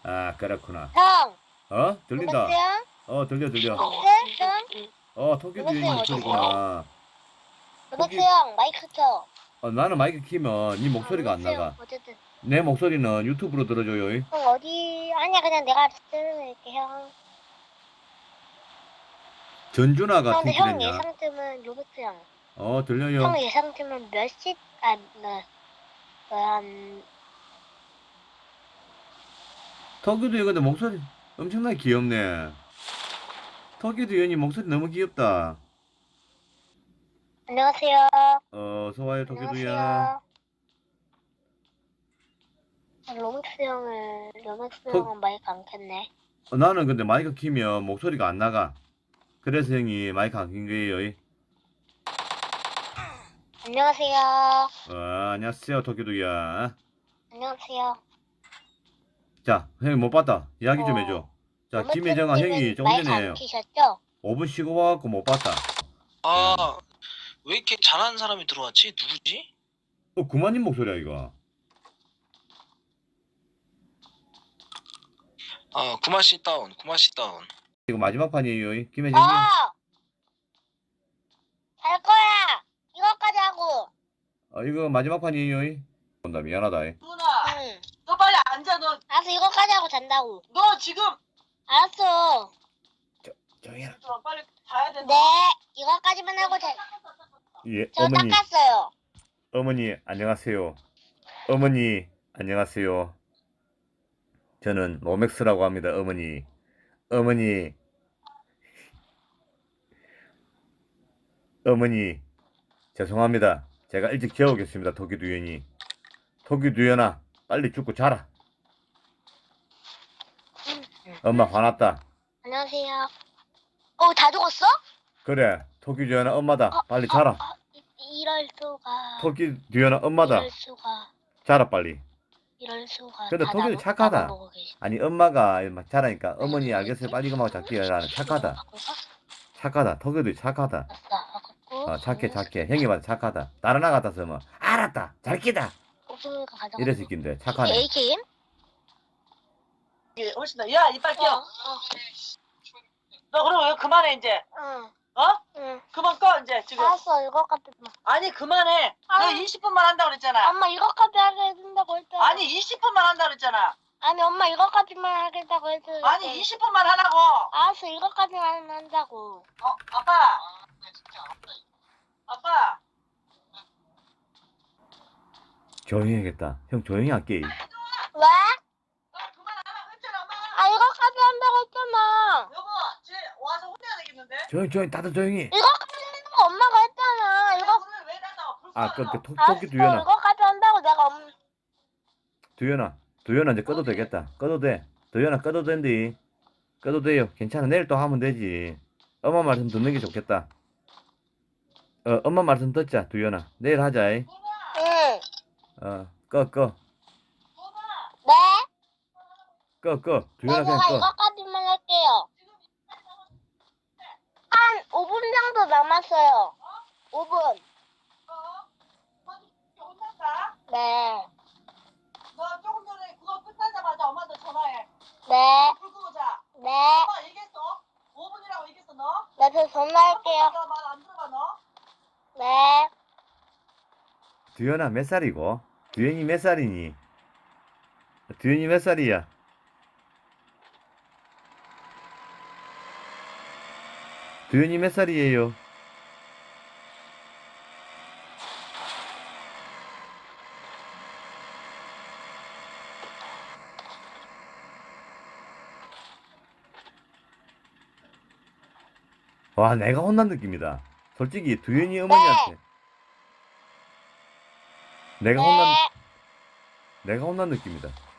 아, 그렇구나. 형, 들린다. 여보세요? 들려. 네, 형? 토끼 두현이 여보세요? 목소리구나. 토끼, 여보세요? 마이크 켜. 나는 마이크 키면 네 목소리가 안 여보세요? 나가. 어쨌든. 내 목소리는 유튜브로 들어줘요. 형, 어디? 아니야, 그냥 내가 들을게, 형. 전준아가 형, 근데 형 팀킬했냐? 예상팀은 로버트 형. 들려요. 형 예상팀은 몇 시? 한, 토끼 두현 근데 목소리 엄청나게 귀엽네. 토끼 두현이 목소리 너무 귀엽다. 안녕하세요. 어서 와요, 토끼 두현. 안녕하세요. 로맥스 형은 마이크 안 켰네. 나는 근데 마이크 키면 목소리가 안 나가. 그래서 형이 마이크 안 킨 거예요. 안녕하세요. 안녕하세요, 토끼 두현. 안녕하세요. 자, 형이 못 봤다. 이야기 좀 해줘. 자, 김혜정아 형이 조금 마이크 전에 안 키셨죠? 5분 쉬고 와갖고 못 봤다. 아, 왜 이렇게 잘하는 사람이 들어왔지? 누구지? 구만님 목소리야, 이거. 아, 구마씨 다운, 구마씨 다운. 이거 마지막 판이에요. 김혜정 님. 할 거야. 이거까지 하고. 이거 마지막 판이에요. 본다, 미안하다. 누나, 응. 너 빨리 앉아. 너 알았어, 이거까지 하고 잔다고. 지금 알았어. 조용히 해라. 빨리 가야 돼. 네, 이거까지만 하고 예, 저 닦았어요. 어머니, 안녕하세요. 어머니, 안녕하세요. 저는 로맥스라고 합니다, 어머니. 어머니, 죄송합니다. 제가 일찍 재우겠습니다, 토끼 두현이. 토끼 두현아, 빨리 죽고 자라. 엄마 화났다. 안녕하세요. 다 죽었어? 그래, 토끼 두현아 엄마다. 빨리 자라. 이럴 수가. 토끼 두현아 엄마다. 이럴 수가. 자라 빨리. 이럴 수가. 근데 토끼도 착하다. 나눠보고 계시. 아니 엄마가 막 자라니까 어머니 알겠어요, 빨리 이거만 잡기야. 라는 착하다. 착하다. 토끼도 착하다. 착해. 형이 봐도 착하다. 다른 아 같아서 뭐 알았다, 잘 끼다 이래 새끼인데 착하네. AKM? 훨씬 더. 야, 이빨 껴. 너 그럼 왜 그만해 이제? 응. 응. 그만 꺼 이제 지금. 알았어, 이거까지. 아니 그만해. 너 아. 20분만 한다고 그랬잖아. 엄마 이거까지 하게 해준다고 했잖아. 아니 20분만 한다고 그랬잖아. 아니 엄마 이거까지만 하겠다고 했잖아. 아니 20분만 하라고. 알았어, 이거까지만 한다고. 아빠. 아빠. 조용히 해야겠다. 형 조용히 할게. 왜? 너 그만하라고 했잖아 엄마. 이거까지 한다고 했잖아. 여보, 쟤 와서 혼내야 되겠는데? 조용히 다들 조용히. 이거까지 한다고 엄마가 했잖아. 불을 왜 닫아? 토끼 두현아. 알았어, 이거까지 한다고 내가 두현아 이제 꺼도 되겠다. 꺼도 돼. 두현아 꺼도 된디. 꺼도 돼요. 괜찮아. 내일 또 하면 되지. 엄마 말씀 듣는 게 좋겠다. 엄마 말씀 듣자, 두현아. 내일 하자. 응. 꺼. 네? 꺼. 네, 두현아 그냥 제가 꺼. 이거까지만 할게요. 한 5분 정도 남았어요. 5분. 혼났다? 네. 너 조금 전에 그거 끝나자마자 엄마한테 전화해. 네. 불 끄고 자. 네. 엄마 얘기했어? 5분이라고 얘기했어 너? 네, 저 전화할게요. 너말안 들어봐 너? 네. 두현아 몇 살이고? 두현이 몇 살이니? 두현이 몇 살이야? 두현이 몇 살이에요? 와, 내가 혼난 느낌이다. 솔직히 두현이 어머니한테 내가 혼난 느낌이다.